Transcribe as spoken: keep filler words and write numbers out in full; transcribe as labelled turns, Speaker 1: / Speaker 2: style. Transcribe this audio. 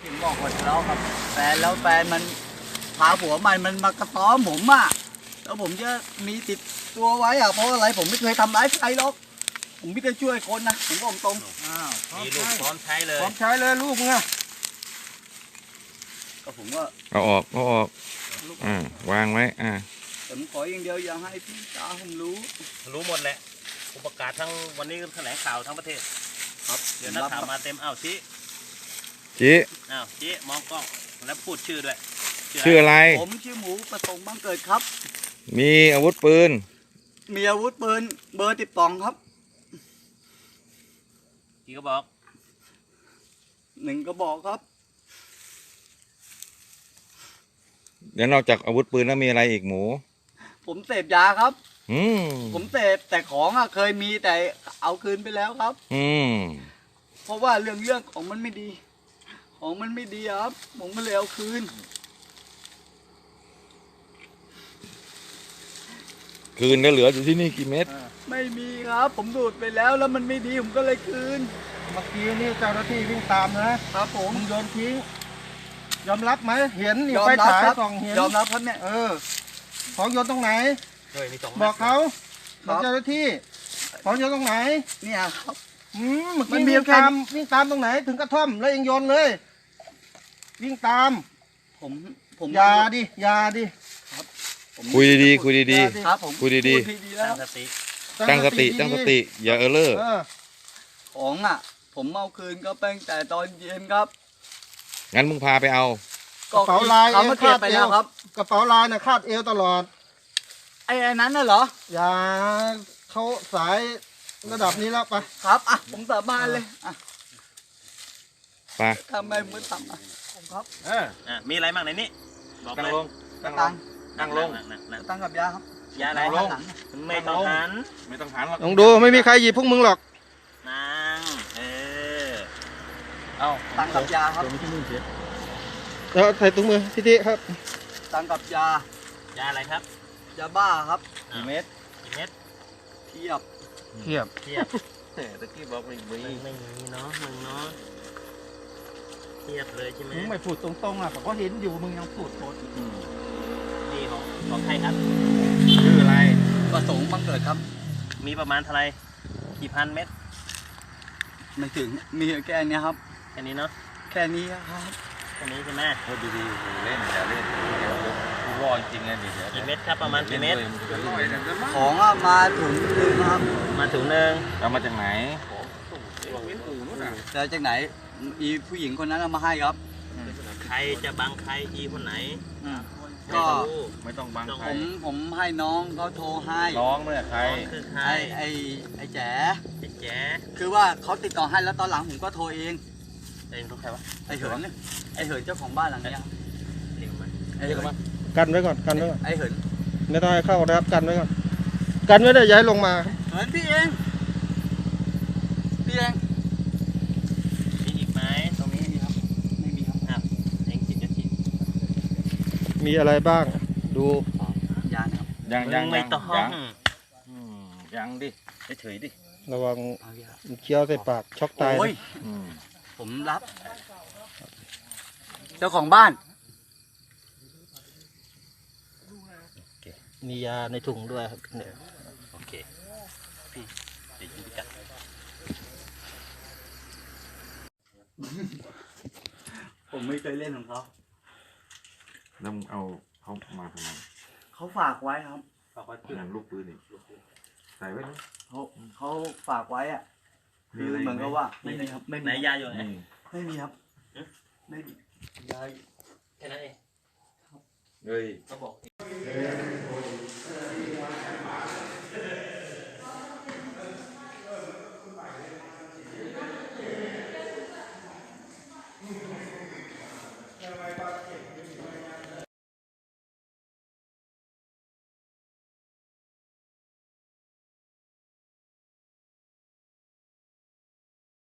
Speaker 1: ถึงบอกว่าทะเลาะกับแฟนแล้วแฟนมันพาผัวใหม่มันมากระต้อมผมอ่ะแล้วผมจะมีติดตัวไว้อ่ะเพราะอะไรผมไม่เคยทำร้ายใครหรอกผมไม่ได้ช่วยคนนะผมบอกตรงอ้าว
Speaker 2: มีลูกพร้อมใช้เลย
Speaker 3: พร้อมใช้เลยลูกมึงอะ
Speaker 1: ก็ผมว่า
Speaker 4: เอาออกเอาออกอ่าวางไว้อ่า
Speaker 1: แต่ผมขออย่างเดียวอย่าให้พี่ตาผมรู้
Speaker 2: รู้หมดแหละผมประกาศทั้งวันนี้แถลงข่าวทั้งประเทศ
Speaker 1: ครับ
Speaker 2: เดี๋ยวนักข่าวมาเต็มอ้าวชี้
Speaker 4: ชี้
Speaker 2: อ้าวชี้มองกล้องแล้วพูดชื่อด้วย
Speaker 4: ชื่ออะไร
Speaker 1: ผมชื่อหมูประสงค์บังเกิดครับ
Speaker 4: มีอาวุธปืน
Speaker 1: มีอาวุธปืนเบอร์สิบสองครับ
Speaker 2: กี่กระบอก
Speaker 1: หนึ่งกระบอกครับ
Speaker 4: เดี๋ยวนอกจากอาวุธปืนแล้วมีอะไรอีกหมู
Speaker 1: ผมเสพยาครับ
Speaker 4: อืม
Speaker 1: ผมเสพแต่ของอ่ะเคยมีแต่เอาคืนไปแล้วครับ
Speaker 4: อืม
Speaker 1: เพราะว่าเรื่องเรื่องของมันไม่ดีของมันไม่ดีครับผมก็เลยเอาคืน
Speaker 4: คืนก็เหลืออยู่ที่นี่กี่เม็ด
Speaker 1: ไม่มีครับผมดูดไปแล้วแล้วมันไม่ดีผมก็เลยคืน
Speaker 3: เมื่อกี้นี่เจ้าหน้าที่วิ่งตามนะครับ
Speaker 1: ผม
Speaker 3: มึงโยนทิ้งยอมรับไหมเห็นนี่ไฟฉายส่องเห็น
Speaker 1: ยอมรับครับเนี่ย
Speaker 3: เออของโยนตรงไหนบอกเขาบอกเจ้าหน้าที่ของโยนตรงไหน
Speaker 1: เนี่ยครับ
Speaker 3: อืมเมื่อกี้วิ่งตามวิ่งตามตรงไหนถึงกระท่อมแล้วเองโยนเลยวิ่งตาม
Speaker 1: ผมผม
Speaker 3: ยาดิยาดิ
Speaker 4: คุยดีๆคุยดี
Speaker 1: ๆครับผม
Speaker 4: คุยดี
Speaker 2: ๆตั้งสติ
Speaker 4: ตั้งสติตั้งสติอย่าเออเลอร์
Speaker 1: ของอ่ะผมเอาคืนก็เป็นแต่ตอนเย็นครับ
Speaker 4: งั้นมึงพาไปเอา
Speaker 3: กระเป๋าลาย
Speaker 1: เขามาเก็บไปแล้วครับ
Speaker 3: กระเป๋าลายน่ะคาดเอวตลอด
Speaker 1: ไอ้นั้นน่ะเหรอ
Speaker 3: อย่าเขาสายระดับนี้แล้วไป
Speaker 1: ครับอ่ะผมสาบานเลยอ่ะ
Speaker 4: ไป
Speaker 1: ทำไมมึงทำอ่ะผมครับ
Speaker 2: เอออ่ะมีอะไรบ้างในนี้
Speaker 4: บอกนั่งลง
Speaker 1: กระตัง
Speaker 2: นั่งลง
Speaker 1: กระตังกับยาครับ
Speaker 2: ยาอะไรไม่ต้องหัน
Speaker 4: ไม่ต้องหันหรอก
Speaker 3: ลองดูไม่มีใครหยิบพวกมึงหรอก
Speaker 2: นั่งเออ
Speaker 1: เอาตังกับยาครับ
Speaker 3: แล้วใส่ถุงมือพี่ที่ครับ
Speaker 1: ตังกับยาย
Speaker 2: าอะไรครับ
Speaker 1: ยาบ้าครับกี่เม็ด
Speaker 2: กี่เม็ด
Speaker 1: เทียบ
Speaker 3: เทียบ
Speaker 2: เทียบแต่ตะกี้บอกไม่มีไม่มีเนาะมึงเนาะเทียบเลยใช่ไหม
Speaker 3: มึงไม่พูดตรงๆอ่ะผมก็เห็นอยู่มึงยังพูดโคตร
Speaker 2: นี่ของของใครครับ
Speaker 4: ชื่ออะไร
Speaker 1: ประสงค์บังเกิดครับ
Speaker 2: มีประมาณเท่าไรกี่พันเม็ด
Speaker 1: ไม่ถึงมีแค่นี้ครับ
Speaker 2: แค่นี้เนาะ
Speaker 1: แค่นี้ครับ
Speaker 2: แค่นี้ใช่ไหม
Speaker 4: พูดดีๆเล่นอย่าเล่นกูวอจริงไงดิ
Speaker 2: กี่เม็ดครับประมาณกี่เม็ด
Speaker 1: ของมาถุงนึงครับ
Speaker 2: มาถุงนึง
Speaker 4: เอามาจากไหน
Speaker 1: จะจากไหนอีผู้หญิงคนนั้นเอามาให้ครับ
Speaker 2: ใครจะบังใครอีคนไหน
Speaker 1: ก็
Speaker 4: ไม่ต้องบังใคร
Speaker 1: ผมผมให้น้องเขาโทรให้
Speaker 4: น้องเนี่ยใคร
Speaker 2: คือใคร
Speaker 1: ไอ้ไอ้แจ๋
Speaker 2: ไอ้แจ๋
Speaker 1: คือว่าเขาติดต่อให้แล้วตอนหลังผมก็โทรเอง
Speaker 2: เองต้องใครวะ
Speaker 1: ไอ้เหินไอ้เหินเจ้าของบ้านหลังนี้
Speaker 2: เรียกมา
Speaker 1: ไอ้เหิน
Speaker 3: กันไว้ก่อนกันไว้ก่อน
Speaker 1: ไอ้เหิน
Speaker 3: ไม่ต้องให้เข้านะครับกันไว้ก่อนกันไว้ได้ย้ายลงมา
Speaker 1: เหินพี่เองพี่เอง
Speaker 2: มีอีกไหม
Speaker 1: ตรงนี้มีครับไม่มีครับ
Speaker 2: อ้าวเองจิตจะจิต
Speaker 3: มีอะไรบ้างดู
Speaker 1: ยางครับ
Speaker 4: ยังยัง
Speaker 2: ไม่ต้องยัง
Speaker 4: ยังดิเฉยดิ
Speaker 3: ระวังเคี้ยวใส่ปากช็อกตาย
Speaker 1: ผมรับเจ้าของบ้าน
Speaker 3: มียาในถุงด้วยครับเนี่ย
Speaker 2: โอเคพี่เดี๋ยวยิงไปจัด
Speaker 1: ผมไม่เคยเล่นของเขา
Speaker 4: แล้วมึงเอาเขามาทำไม
Speaker 1: เขาฝากไว้ครับ
Speaker 4: ฝากไว้เพื่อนลูกปืนอีกใส่ไว้เลย
Speaker 1: เขาเขาฝากไว้อ่ะคือเหมือนกับว่าไม่มีครับไม่มี
Speaker 2: ไหนยาอยู่ไหน
Speaker 1: ไม่มีครับไม่มียา
Speaker 2: แค่นั้นเอง
Speaker 4: เฮ้ย
Speaker 2: เขาบอก